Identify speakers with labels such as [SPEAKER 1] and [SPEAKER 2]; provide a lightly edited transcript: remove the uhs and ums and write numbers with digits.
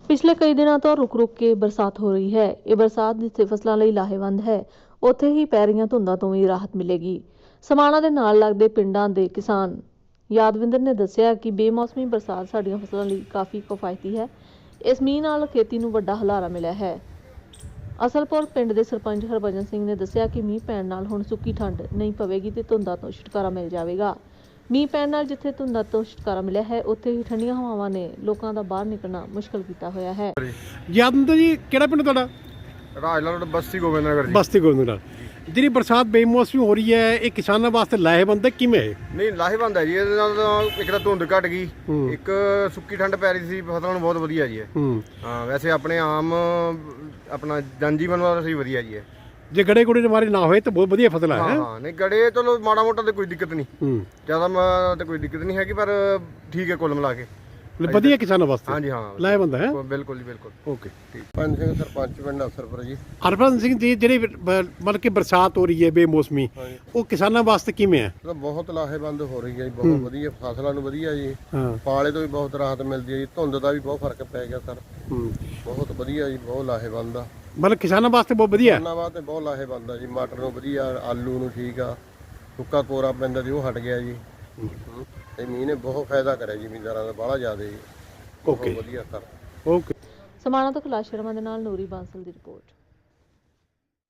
[SPEAKER 1] ਪਿਛਲੇ ਕਈ ਦਿਨਾਂ ਤੋਂ ਰੁਕ-ਰੁਕ ਕੇ ਬਰਸਾਤ ਹੋ ਰਹੀ ਹੈ। ਇਹ ਬਰਸਾਤ ਜਿੱਥੇ ਫਸਲਾਂ ਲਈ ਲਾਹੇਵੰਦ ਹੈ, ਉੱਥੇ ਹੀ ਪੈ ਰਹੀਆਂ ਧੁੰਦਾਂ ਤੋਂ ਵੀ ਰਾਹਤ ਮਿਲੇਗੀ। ਸਮਾਣਾ ਦੇ ਨਾਲ ਲੱਗਦੇ ਪਿੰਡਾਂ ਦੇ ਕਿਸਾਨ ਯਾਦਵਿੰਦਰ ਨੇ ਦੱਸਿਆ ਕਿ ਬੇਮੌਸਮੀ ਬਰਸਾਤ ਸਾਡੀਆਂ ਫਸਲਾਂ ਲਈ ਕਾਫੀ ਕਿਫਾਇਤੀ ਹੈ। ਇਸ ਮੀਂਹ ਨਾਲ ਖੇਤੀ ਨੂੰ ਵੱਡਾ ਹੁਲਾਰਾ ਮਿਲਿਆ ਹੈ। ਅਸਲਪੁਰ ਪਿੰਡ ਦੇ ਸਰਪੰਚ ਹਰਭਜਨ ਸਿੰਘ ਨੇ ਦੱਸਿਆ ਕਿ ਮੀਂਹ ਪੈਣ ਨਾਲ ਹੁਣ ਸੁੱਕੀ ਠੰਡ ਨਹੀਂ ਪਵੇਗੀ ਤੇ ਧੁੰਦਾਂ ਤੋਂ ਛੁਟਕਾਰਾ ਮਿਲ ਜਾਵੇਗਾ। ਮੀਂਹ ਪੈਣ ਨਾਲ ਜਿੱਥੇ ਧੁੰਦਾਂ ਤੋਂ ਛੁਟਕਾਰਾ ਮਿਲਿਆ ਹੈ, ਉੱਥੇ ਹੀ ਠੰਡੀਆਂ ਹਵਾਵਾਂ ਨੇ ਲੋਕਾਂ ਦਾ ਬਾਹਰ ਨਿਕਲਣਾ ਮੁਸ਼ਕਲ ਕੀਤਾ ਹੋਇਆ ਹੈ।
[SPEAKER 2] ਯਾਦਵਿੰਦਰ ਜੀ, ਕਿਹੜਾ ਪਿੰਡ ਤੁਹਾਡਾ?
[SPEAKER 3] ਰਾਜਲਾ ਰੋਡ, ਬਸਤੀ ਗੋਬਿੰਦਨਗਰ ਜੀ।
[SPEAKER 2] ਬਸਤੀ ਗੋਬਿੰਦਨਗਰ। ਜਿਹੜੀ ਬਰਸਾਤ ਬੇਮੌਸਮੀ ਹੋ ਰਹੀ ਹੈ, ਇਹ ਕਿਸਾਨਾਂ ਵਾਸਤੇ ਲਾਹੇਵੰਦ ਹੈ ਕਿਵੇਂ?
[SPEAKER 3] ਨਹੀਂ, ਲਾਹੇਵੰਦ ਹੈ ਜੀ। ਇਹਦੇ ਨਾਲ ਤਾਂ ਇੱਕ ਤਾਂ ਧੁੰਦ ਘਟ ਗਈ, ਇੱਕ ਸੁੱਕੀ ਠੰਡ ਪੈ ਰਹੀ ਸੀ, ਫਸਲਾਂ ਨੂੰ ਬਹੁਤ ਵਧੀਆ ਜੀ ਹਾਂ, ਵੈਸੇ ਆਪਣੇ ਆਮ ਆਪਣਾ ਜਨਜੀਵਨ ਵਾਸਤੇ ਵਧੀਆ ਜੀ।
[SPEAKER 2] ਜੇ ਗੜੇ ਗੁੜੇ ਮਾਰੇ ਨਾ ਹੋਏ ਤਾਂ ਬਹੁਤ ਵਧੀਆ ਫਸਲ ਹੈ।
[SPEAKER 3] ਹਾਂ, ਨਹੀਂ ਗੜੇ ਚਲੋ ਮਾੜਾ ਮੋਟਾ ਤੇ ਕੋਈ ਦਿੱਕਤ ਨਹੀਂ, ਜ਼ਿਆਦਾ ਤੇ ਕੋਈ ਦਿੱਕਤ ਨਹੀਂ ਹੈਗੀ, ਪਰ ਠੀਕ ਹੈ ਕੁੱਲ ਮਿਲਾ ਕੇ
[SPEAKER 2] ਵਧੀਆ ਕਿਸਾਨਾਂ ਵਾਸਤੇ।
[SPEAKER 3] ਹਾਂਜੀ ਹਾਂ,
[SPEAKER 2] ਲਾਹੇਵੰਦ ਹੈ।
[SPEAKER 3] ਬਿਲਕੁਲ ਜੀ, ਬਿਲਕੁਲ।
[SPEAKER 2] ਓਕੇ, ਠੀਕ।
[SPEAKER 3] ਪੰਜ ਸਿੰਘ ਸਰਪੰਚ ਪਿੰਡ ਅਸਰਪੁਰ ਜੀ।
[SPEAKER 2] ਹਰਭਜਨ ਸਿੰਘ ਜੀ, ਜਿਹੜੀ ਮਤਲਬ ਕਿ ਬਰਸਾਤ ਹੋ ਰਹੀ ਹੈ ਬੇਮੌਸਮੀ, ਉਹ ਕਿਸਾਨਾਂ ਵਾਸਤੇ ਕਿਵੇਂ ਹੈ?
[SPEAKER 3] ਬਹੁਤ ਲਾਹੇਵੰਦ ਹੋ ਰਹੀ ਹੈ ਜੀ, ਬਹੁਤ ਵਧੀਆ ਫਸਲਾਂ ਨੂੰ ਵਧੀਆ ਜੀ। ਪਾਲੇ ਤੋਂ ਵੀ ਬਹੁਤ ਰਾਹਤ ਮਿਲਦੀ ਹੈ ਜੀ, ਧੁੰਦ ਦਾ ਵੀ ਬਹੁਤ ਫਰਕ ਪੈ ਗਿਆ ਸਰ। ਬਹੁਤ ਵਧੀਆ ਜੀ, ਬਹੁਤ ਲਾਹੇਵੰਦ ਆ।
[SPEAKER 2] ਮਤਲਬ ਕਿਸਾਨਾਂ ਵਾਸਤੇ ਬਹੁਤ ਵਧੀਆ।
[SPEAKER 3] ਕਿਸਾਨਾਂ ਵਾਸਤੇ ਬਹੁਤ ਲਾਹੇਵੰਦ ਆ ਜੀ। ਮਟਰ ਨੂੰ ਵਧੀਆ, ਆਲੂ ਨੂੰ ਠੀਕ ਆ, ਸੁੱਕਾ ਕੋਰਾ ਪੈਂਦਾ ਸੀ ਉਹ ਹਟ ਗਿਆ ਜੀ। ਇਹ ਮੀਂਹ ਨੇ ਬਹੁਤ ਫਾਇਦਾ ਕਰਿਆ ਜੀ ਜ਼ਿਮੀਂਦਾਰਾਂ ਦਾ, ਬਾਹਲਾ ਜ਼ਿਆਦਾ ਜੀ।
[SPEAKER 2] ਓਕੇ,
[SPEAKER 3] ਵਧੀਆ ਸਰ।
[SPEAKER 2] ਓਕੇ।
[SPEAKER 1] ਸਮਾਣਾ ਤੋਂ ਕੈਲਾਸ਼ ਸ਼ਰਮਾ ਦੇ ਨਾਲ ਨੂਰੀ ਬਾਂਸਲ ਦੀ ਰਿਪੋਰਟ।